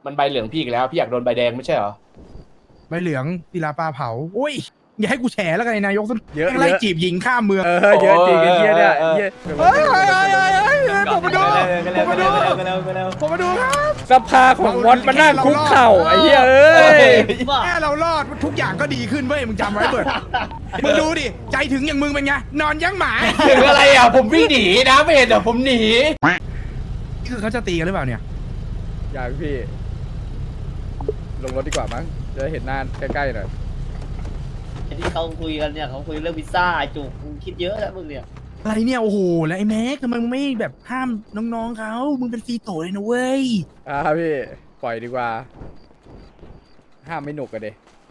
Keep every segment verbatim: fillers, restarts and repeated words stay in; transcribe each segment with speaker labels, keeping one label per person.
Speaker 1: มันใบเหลืองพี่อีกแล้วพี่อยากโดนใบแดงไม่ใช่เหรอ
Speaker 2: ใบเหลืองศิลาปลาเผาอุ้ยอย่าให้กูแฉแล้วกันนายกส้น
Speaker 3: เยอะ
Speaker 2: ไล่จีบหญิงข้ามเมือง
Speaker 3: เออเยอะจริงไอ้เหี้ยเนี่ยเหี้ย
Speaker 2: เฮ้ยเฮ้ยเฮ้ยเฮ้ยเฮ้ยผมมาดูผมมาดูผมมาดูครับ
Speaker 3: สภาของวอนมานั่งคุกเข่าไอ้เหี้ยเอ้ย
Speaker 2: แค่เรารอดทุกอย่างก็ดีขึ้นเว้ยมึงจำไว้เบิร์ดมึงดูดิใจถึงอย่างมึงเป็นไงนอนยั้งหมา
Speaker 1: ถึงอะไรอ่ะผมวิ่งหนีนะไม่เห็นเหรอผมหนี
Speaker 2: นี่คือเขาจะตีกันหรือเปล่าเนี่ย
Speaker 3: อยากพี่ลงรถดีกว่ามั้งจะได้เห็นหน้าใกล้ๆหน่อย
Speaker 4: ที่เขาคุยกันเนี่ยเขาคุยเรื่องพิซซ่าไอ้จุกมึงคิดเยอะแล้วมึงเนี่ย
Speaker 2: อะไรเนี่ยโอ้โหแล้วไอ้แม็กทำไมมึงไม่แบบห้ามน้องๆเขามึงเป็นฟรีโตเลยนะเว้ย
Speaker 3: อ่าพี่ปล่อยดีกว่าห้ามไม่หนุกกันเด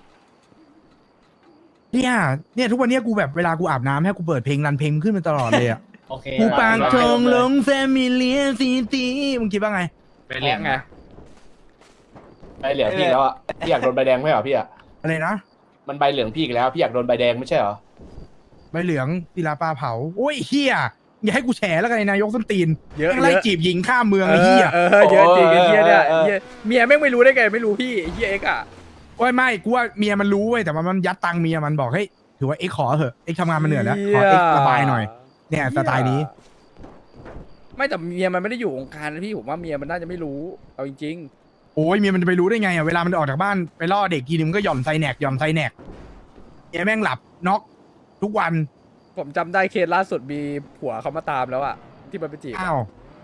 Speaker 2: เนี่ยเนี่ยทุกวันเนี้ยกูแบบเวลากูอาบน้ำให้กูเปิดเพลงรันเพลงขึ้นมาตลอดเลยอ่ะ
Speaker 4: โอเค
Speaker 2: กูปางจงลงแฟมิเลียซีตีมึงคิดว่าไง
Speaker 1: ใบเหลือง
Speaker 3: ไง
Speaker 1: ใบเหลืองพี่อีกแล้วอ่ะพี่อยากโดนใบแดงไม่ใช่เหรอพี่อ่ะ
Speaker 2: อะไรนะ
Speaker 1: มันใบเหลืองพี่อีกแล้วพี่อยากโดนใบแดงไม่ใช่เหรอ
Speaker 2: ใบเหลืองศิลาปลาเผาโอ้ยเฮียอย่าให้กูแฉแล้วกันนายกส้นตีน
Speaker 3: เยอะ
Speaker 2: แม่งไล่
Speaker 3: เยอะ
Speaker 2: จีบหญิงข้ามเมือง
Speaker 3: เอ
Speaker 2: ไอ้
Speaker 3: อ
Speaker 2: เฮีย
Speaker 3: เออเยอะจริงไอ้เหี้ยเนี่ยเหี้ยเมียแม่งไม่รู้ได้ไงไม่รู้พี่ไอ้เหี้ยเอ็กซ์อ่ะ
Speaker 2: โอ้ยไม่กูว่าเมียมันรู้เว้ยแต่ว่ามันยัดตังค์เมียมันบอกเฮ้ยถือว่าเอ็กซ์ขอเถอะเอ็กซ์ทำงานมาเหนื่อยแล้วขอเอ็กซ์ระบายหน่อยเนี่ยสไตล์นี้
Speaker 3: ไม่แต่เมียมันไม่ได้อยู่วงการนะพี่ผมว่าเมียมันน่าจะไม่รู้เอาจริง
Speaker 2: โอ้ยเมียมันจะไปรู้ได้ไงอ่ะเวลามันออกจากบ้านไปล่อเด็กทีนึงมันก็หย่อนไซแนกหย่อนไซแนกเมียแม่งหลับน็อกทุกวัน
Speaker 3: ๆผมจำได้เคสล่าสุดมีผัวเขามาตามแล้วอ่ะที่มันไปจีบ
Speaker 2: อ้าว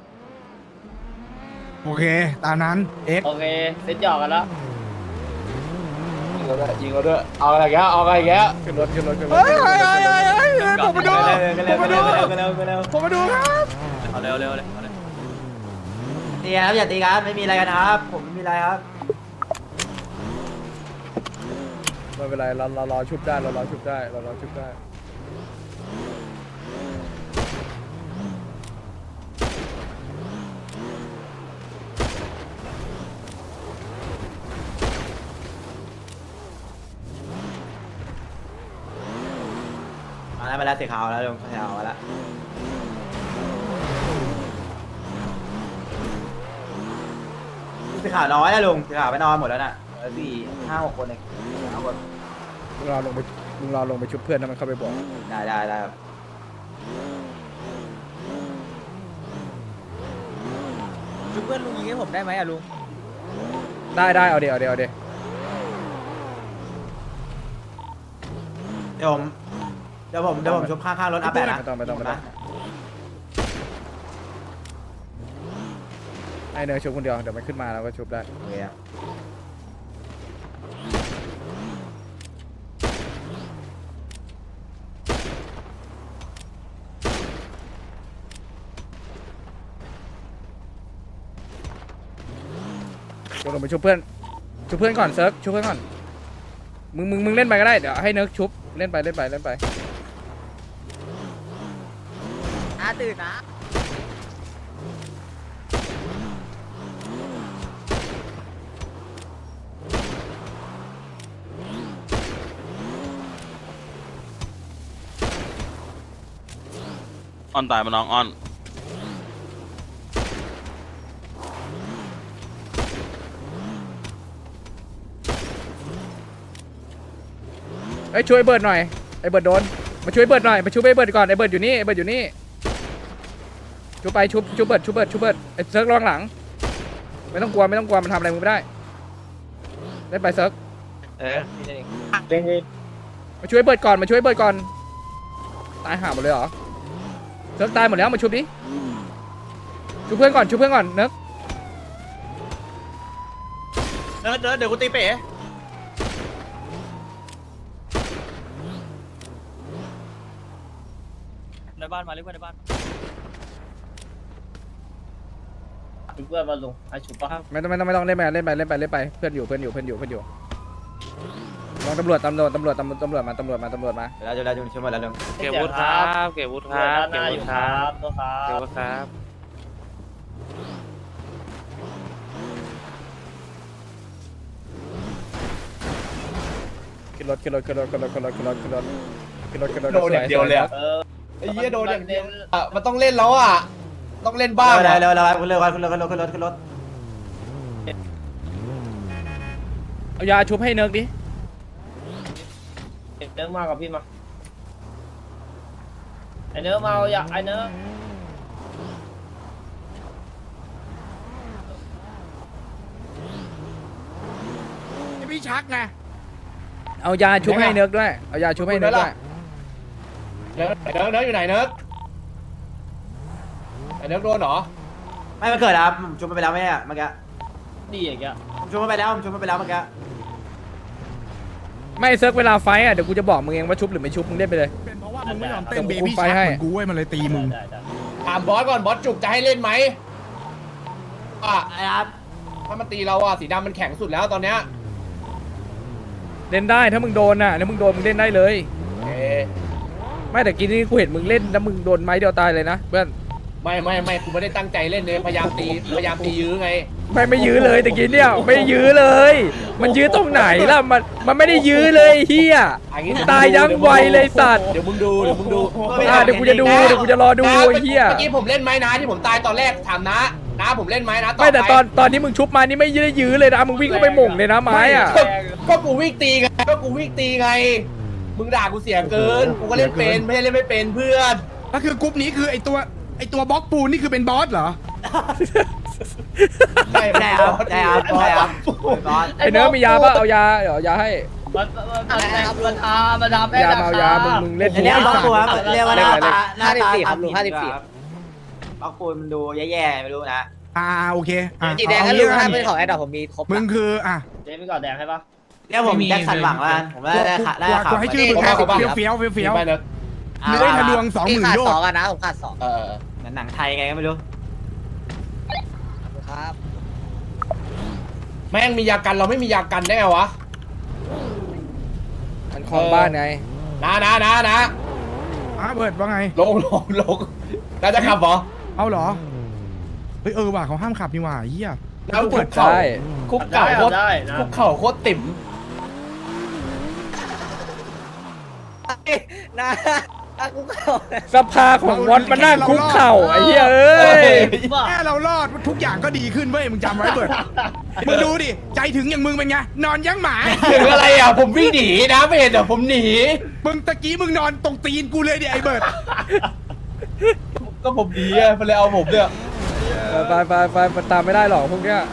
Speaker 2: โอเคตามนั้นเอ็กซ์
Speaker 4: โอเคเซ็ตหยอกกันแล้ว
Speaker 1: ยิงเราด้วยยิงเราด้วยเอาอะไรแกเอาอะไรแก
Speaker 3: ขึ้นรถขึ้นรถขึ้นรถ
Speaker 2: เฮ้ยเฮ้ยเฮ้ยเฮ้ยเฮ้ยผมมาดูผมมาดู
Speaker 4: เร็วเร็ว
Speaker 2: ผมมาดูครับ
Speaker 4: เอาเร็วเร็วเลย
Speaker 5: ตีครับอย่าตีกันไม่มีอะไรกันครับ ผมไม่มีอะไรครับ
Speaker 3: ไม่เป็นไรเราเรารอชุบได้เรารอชุบได้เรารอชุบได้
Speaker 5: มาแล้วมาแล้วสีขาวแล้วลุงสีขาวมาแล้วสีขาวน้อยนะลุงสีขาวไปนอนหมดแล้วน่ะเหลือสี่ห้าหกคนเองเอาหมด
Speaker 3: มึงรอลงไปมึงรอลงไปชุบเพื่อนนะมันเข้าไปบอก
Speaker 5: ได้ได้ได้ครับ
Speaker 6: ชุบเพื่อนลุงยิงให้ผมได้ไหมอะลุง
Speaker 3: ได้ได้เอาเดี๋ยวเอาเดี๋ยวเอาดี๋ยว
Speaker 5: เดี๋ยวผมเดี๋ยวผมเดี๋ยวผมชุบข้างๆรถอัพแปดนะ
Speaker 3: ไม่ต้องไม่ต้องไม่ต้องให้เนยชุบคนเดียวเดี๋ยวมันขึ้นมาแล้วก็ชุบได้
Speaker 5: โอเคครับ
Speaker 3: ลงลงไปชุบเพื่อนชุบเพื่อนก่อนเซิร์ฟชุบเพื่อนก่อนมึงมึงมึงเล่นไปก็ได้เดี๋ยวให้เนิร์กชุบเล่นไปเล่นไปเล่นไป
Speaker 6: อาตื่นนะ
Speaker 7: อ้อนตายมาน้องอ้อน
Speaker 3: เอ้ยช่วยเบิร์ดหน่อยไอ้เบิร์ดโดนมาช่วยเบิร์ดหน่อยมาช่วยไอ้เบิร์ดก่อนไอ้เบิร์ดอยู่นี่ไอ้เบิร์ดอยู่นี่ชุบไปชุบชุบเบิร์ดชุบเบิร์ดชุบเบิร์ดไอ้เซิร์กระวังหลังไม่ต้องกลัวไม่ต้องกลัวมันทำอะไรมึงไม่ได้เล่นไปเซิร์ก
Speaker 4: เออ
Speaker 3: มาช่วยเบิร์ดก่อนมาช่วยเบิร์ดก่อนตายห่าหมดเลยเหรอเซิร์กตายหมดแล้วมาชุบดิชุบเพื่อนก่อนชุบเพื่อนก่อนเนิร์ก
Speaker 4: เดินเดินเดี๋ยวกูตีเป๋
Speaker 6: ในบ้านมาเรียกว่าในบ้าน
Speaker 4: ชุบเพื่อนมาลุงให้ชุบป่ะ
Speaker 3: ไม่ต้องไม่ต้องไม่ต้องเล่นไปเล่นไปเล่นไปเล่นไปเพื่อนอยู่เพื่อนอยู่เพื่อนอยู่เพื่อนอยู่ลองตำรวจตำรวจตำรวจตำรวจตำรวจมาตำรวจมาตำรวจมา
Speaker 5: เดี๋ยวเราจะเราจะชุบหมดแล้วลุง
Speaker 7: เก็บวุฒิครับเก็บวุฒิครับ
Speaker 4: ด้านห
Speaker 7: เก็บ
Speaker 4: น้าอ
Speaker 7: วุ
Speaker 4: ยู่
Speaker 7: ฒิ
Speaker 4: ค
Speaker 7: ค
Speaker 4: รั
Speaker 7: รั
Speaker 4: บบ ตัวครับ
Speaker 7: เก็บวุฒิครับ
Speaker 3: ขึ้นรถขึ้นรถขึ้นรถขึ้นรถขึ้นรถขึ้นรถขึ้นรถขึ้นรถขึ้นรถ
Speaker 1: โดนอย่างเดียวเลยอะ
Speaker 4: เออ
Speaker 1: ไอ้เหี้ยโดนอย่างเดียวอ่ะมันต้องเล่นแล้วอ่ะต้องเล่นบ้าง
Speaker 5: เร็ว
Speaker 1: อะ
Speaker 5: เร็วเร็วเร็วขึ้นรถขึ้นรถขึ้นรถขึ้นรถขึ้นรถ
Speaker 3: เอายาชุบให้เนิร์กดิ
Speaker 4: เนื้อมากับพี่มาไอเนื้อมาเอาอยากไอเนื้อ
Speaker 2: พี่ชักไง
Speaker 3: เอายาชุบให้เนิร์กด้วยเอายาชุบให้เนิร์กด้วย
Speaker 1: เนิร์ดเนิร์ดเนิร์ดอยู่ไหนเนิร์ดไอ้เนิร์ดโดนเหรอ
Speaker 5: ไม่มาเกิดครับผมชมมันไปแล้วไหมเนี่ยเมื่อกี้
Speaker 4: ดีอย่างเงี้ย
Speaker 5: ผมชมมันไปแล้วผมชมมันไปแล้วเมื่อกี้
Speaker 3: ไม่เซิร์กเวลาไฟท์อ่ะเดี๋ยวกูจะบอกมึงเองว่าชุบหรือไม่ชุบมึงเล่นไปเลย
Speaker 2: เป็นเพราะว่ามึงไม่ยอมเต้นเบ
Speaker 3: เดี๋ยวกู
Speaker 2: บี้
Speaker 3: ไป
Speaker 2: ชัก
Speaker 3: ให้
Speaker 2: เหมือนกูเว้ยมันเลยตีมึง
Speaker 4: ได้ได้
Speaker 1: ถามบอสก่อนบอสจุกจะให้เล่นไหมอ่ะ
Speaker 5: ไอ้ครับ
Speaker 1: ถ้ามันตีเราอ่ะสีดำมันแข็งสุดแล้วตอนเนี้ย
Speaker 3: เล่นได้ถ้ามึงโดนน่ะถ้ามึงโดนมึงเล่นได้เลย
Speaker 1: เอ๊ะ
Speaker 3: ไม่แต่กินนี่กูเห็นมึงเล่นแล้วมึงโดนไม้เดียวตายเลยนะเพื่อน
Speaker 1: ไม่ไม่ไม่กูไม่ได้ตั้งใจเล่นเลยพยายามตีพยายามตียื้อไง
Speaker 3: ไม่ไม่ยื้อเลยแต่กินเนี่ยไม่ยื้อเลย มันยื้อตรงไหนล่ะมันมันไม่ได้ยื้อเลยเฮีย
Speaker 1: อันนี้
Speaker 3: ตายยังไวเลยสัตว์
Speaker 1: เดี๋ยวมึงดูเดี๋ยวมึงดู
Speaker 3: อ่ะเดี๋ยวกูจะดูเดี๋ยวกูจะรอดูไอ้เฮีย
Speaker 1: เมื่อกี้ผมเล่นไหมนะที่ผมตายตอนแรกถามนะนะผมเล่นไหมนะ
Speaker 3: ไม่แต่ตอนตอนที่มึงชุบมานี่ไม่ได้ยื้อเลยนะมึงวิ่งเข้าไปหม่งเลยนะไม้อ่ะ
Speaker 1: ก็ก็กูวิ่งตีไงก็กูวิ่งตีไงมึงด่ากูเสียเกินกูก็เล่นเป็นไม่ใช่เล่นไม่เป็นเพื่อน
Speaker 2: ก็คือกรุ๊ปนี้คือไอตัวไอตัวบล็อกปูนนี่คือเป็นบอสเหรอ
Speaker 1: ใช่
Speaker 5: ได้ครับได้ครับได้ครับบอส
Speaker 3: ไอ้เนื้อมียาป่ะเอายาเดี๋ยวเอายาให้
Speaker 4: มันมันมันมันทามันทาแม่
Speaker 3: ยามาเอายามึงมึงเล่น
Speaker 5: อันนี้บล็อกปูครับเรียกว่าหน้าตาหน้าตา
Speaker 6: ครับลุงห้าสิบสี่
Speaker 5: บล็อกปูมันดูแย่ๆไม่รู้นะ
Speaker 2: อ่าโอเคอ่ะ
Speaker 6: สีแดง
Speaker 2: เอา
Speaker 6: ก็ลุง
Speaker 2: งี้
Speaker 6: ถ้า
Speaker 2: ละ
Speaker 6: เป็น
Speaker 2: กัน
Speaker 6: ของแอดดอกผมมีครบ
Speaker 2: มึงคืออ่ะ
Speaker 4: เจ๊ไม่ก่อนแดงให้ปะ
Speaker 5: เรียกผมแจ็คสันหวังแล้วกันผมได้ได้ขาได้
Speaker 2: กู
Speaker 5: ขา
Speaker 2: กูให้ชื่อมึงแค่เฟี้ยวเฟี้ยวเฟี้ยวเฟี้ยว
Speaker 1: ไปเนอะ
Speaker 2: เลื้อยทะลวงสองห
Speaker 6: พี่
Speaker 2: มื่น
Speaker 6: ขาด
Speaker 2: โย
Speaker 6: ส
Speaker 2: ช
Speaker 6: อง
Speaker 2: น์
Speaker 6: อะนะผมขาดสอง
Speaker 1: เออ
Speaker 5: หนังไทยไงก็ไม่รู้
Speaker 6: ครับ
Speaker 1: แม่งมียากันเราไม่มียากันได้ไงวะ
Speaker 3: มันคลองบ้านไง
Speaker 1: นะนะนะนะ
Speaker 2: อ่ะเบิร์ดว่าไง
Speaker 1: ลงลงลงน่าจะขับเหรอ
Speaker 2: เอาเหรอเฮ้ยเออว่ะเขาห้ามขับนี่หว่าเฮีย
Speaker 1: แล้ว
Speaker 2: เปิ
Speaker 1: คุ
Speaker 2: ด
Speaker 1: กเข่า
Speaker 3: ได้
Speaker 1: คุกเข่าโคตร
Speaker 4: ได้นะ
Speaker 1: คุกเข่าโคตรติ่ม
Speaker 6: นะอ่ะกูเข้า
Speaker 3: สภาของวอนมานั่งคุกเข่าไอ้เหี้ยเอ้ย
Speaker 2: แค่เรารอดทุกอย่างก็ดีขึ้นเว้ยมึงจำไว้เบิร์ดมึงดูดิใจถึงอย่างมึงเป็นไงนอนยังหมา
Speaker 1: ถึงอะไรอ่ะผมวิ่งหนีนะไม่เห็นเหรอผมหนี
Speaker 2: มึงตะกี้มึงนอนตรงตีนกูเลยดิไอ้เบิร์ด
Speaker 1: ก็ผมหนีอ่ะมันเลยเอาผมเนี่ย
Speaker 3: ไปไปไปมันตามไม่ได้หรอกพวกเนี้ย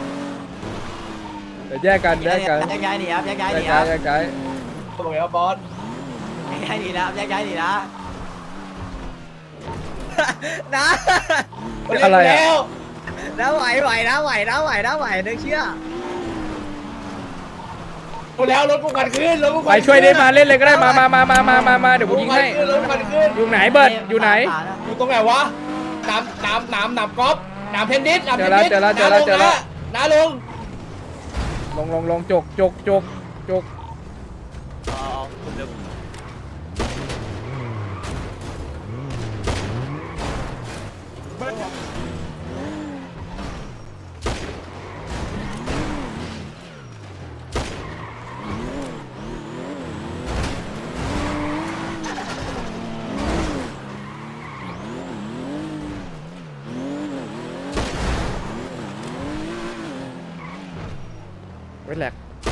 Speaker 3: เดี๋ยวแยกกันแยกกัน
Speaker 5: แยกย้ายหนีครับแยกย้าย
Speaker 3: แย
Speaker 5: หนี
Speaker 3: ก
Speaker 5: ค
Speaker 3: ย้า
Speaker 5: รั
Speaker 3: ย
Speaker 5: บ
Speaker 3: แยกย้าย
Speaker 1: บอกไงว่าบอส
Speaker 5: แยกย้ายหนีนะแยกย้ายหนีนะ
Speaker 6: นะ
Speaker 3: อะไร
Speaker 1: แล้
Speaker 3: อ่ะ
Speaker 1: ว
Speaker 6: นะไหวไหวนะไหวนะไหวนะไหวนึกเชื่อ
Speaker 1: กูแล้วรถกูกันขึ้นรถกู
Speaker 3: ไปช่วยได้มาเล่นเลยก็ได้มามามามามามามาเดี๋ยวกูยิงให้
Speaker 1: รถกูกันขึ้น
Speaker 3: อยู่ไหนเบิร์ดอยู่ไหน
Speaker 1: อยู่ตรงไหนวะน้ำน้ำน้ำน้ำกอล์ฟน้ำเทนนิสน้ำเทนนิส
Speaker 3: เจอแล้วเจอแล้วเจอแล้ว
Speaker 1: น้าลง
Speaker 3: ลงลงลงจกจกจกจก ไว้แหลก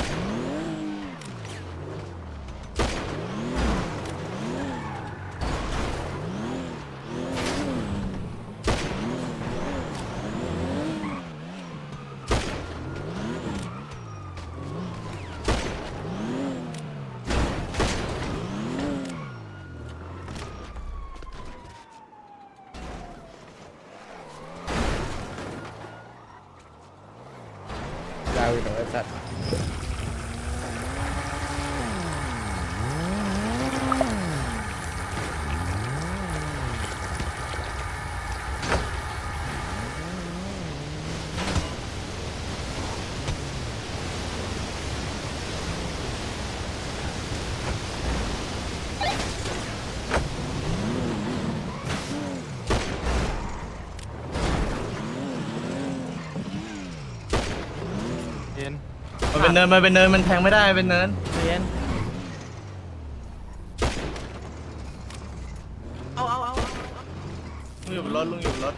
Speaker 3: ยาวอีกหน่อยไอ้สัตว์
Speaker 8: มันเป็นเนินมันเป็นเนินมันแทงไม่ได้เป็นเนิน
Speaker 6: เรียน
Speaker 8: ลุงอยู่บนรถลุงอยู่บนรถ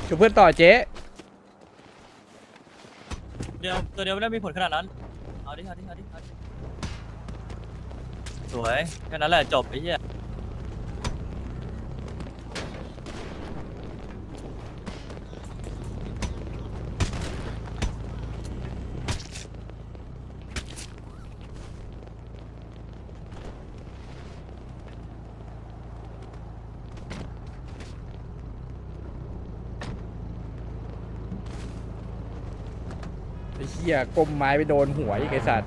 Speaker 3: ชูเพื่อนต่อเจ๊
Speaker 9: เดียวตัวเดียวไม่ได้มีผลขนาดนั้นเอาดิเอาดิเอาดิเอาดิสวยแค่นั้นแหละจบไอ้เหี้ย
Speaker 3: ไอ้เหี้ยก้มไม้ไปโดนหัวอีกไอ้สัตว์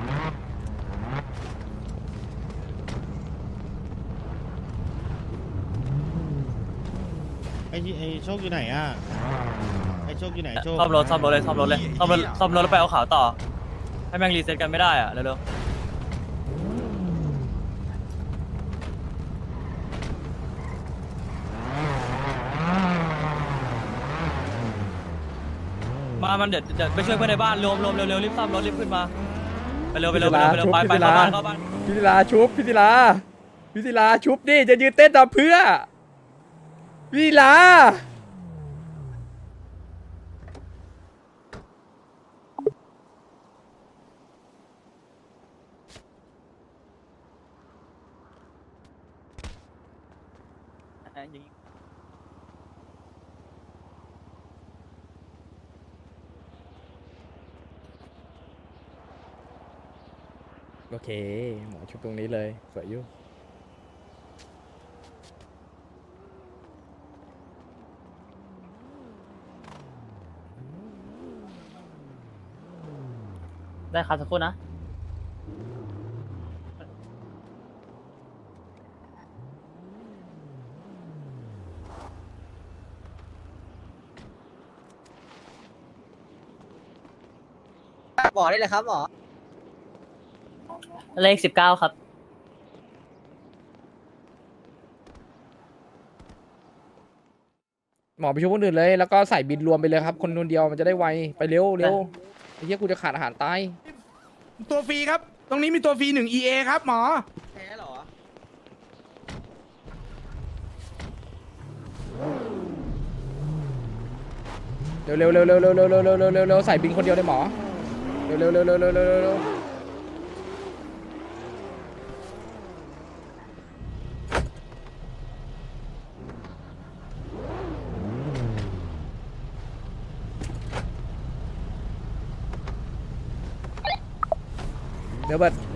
Speaker 8: ไอ้ไอ้โชคอยู่ไหนอ่ะไอ้โชคอยู่ไหนโชค
Speaker 9: ซ่อมรถซ่อมรถเลยซ่อมรถเลยซ่อมรถซ่อมรถแล้วไปเอาขาวต่อให้แม่งรีเซ็ตกันไม่ได้อะเร็วๆมามันเดี๋ยวเดี๋ยวไปช่วยเพื่อนในบ้านรวมรวมเร็วๆรีบซ่อมรถรีบขึ้นมาไปเร็วไปเร็วไปเร็วไปเร็วไปไปเข้าบ้านเข้าบ้าน
Speaker 3: พิธิลาชุบพิธิลาพิธิลาชุบดิจะยืนเต้นตามเพื่อพิธิลาโอเคหมอชุบตรงนี้เลยสวยอยู่
Speaker 4: ได้ครับสักครู่นะ
Speaker 6: บอกได้เลยครับหมอ
Speaker 4: เลขสิบเก้าครับ
Speaker 3: หมอไปช่วยคนอื่นเลยแล้วก็ใส่บินรวมไปเลยครับคนคนเดียวมันจะได้ไวไปเร็วเร็วไอ้เหี้ยกูจะขาดอาหารตาย
Speaker 2: ตัวฟรีครับ ตรงนี้มีตัวฟรีหนึ่ง อี เอ ครับหมอ
Speaker 6: แพ้เหรอ
Speaker 3: เร็วเร็วเร็วเร็วเร็วเร็วเร็วเร็วเร็วเร็วเร็วใส่บินคนเดียวเลยหมอเร็วเร็วเร็วเร็วเร็วเร็วเร็วเร็วเดี๋ยวเบิด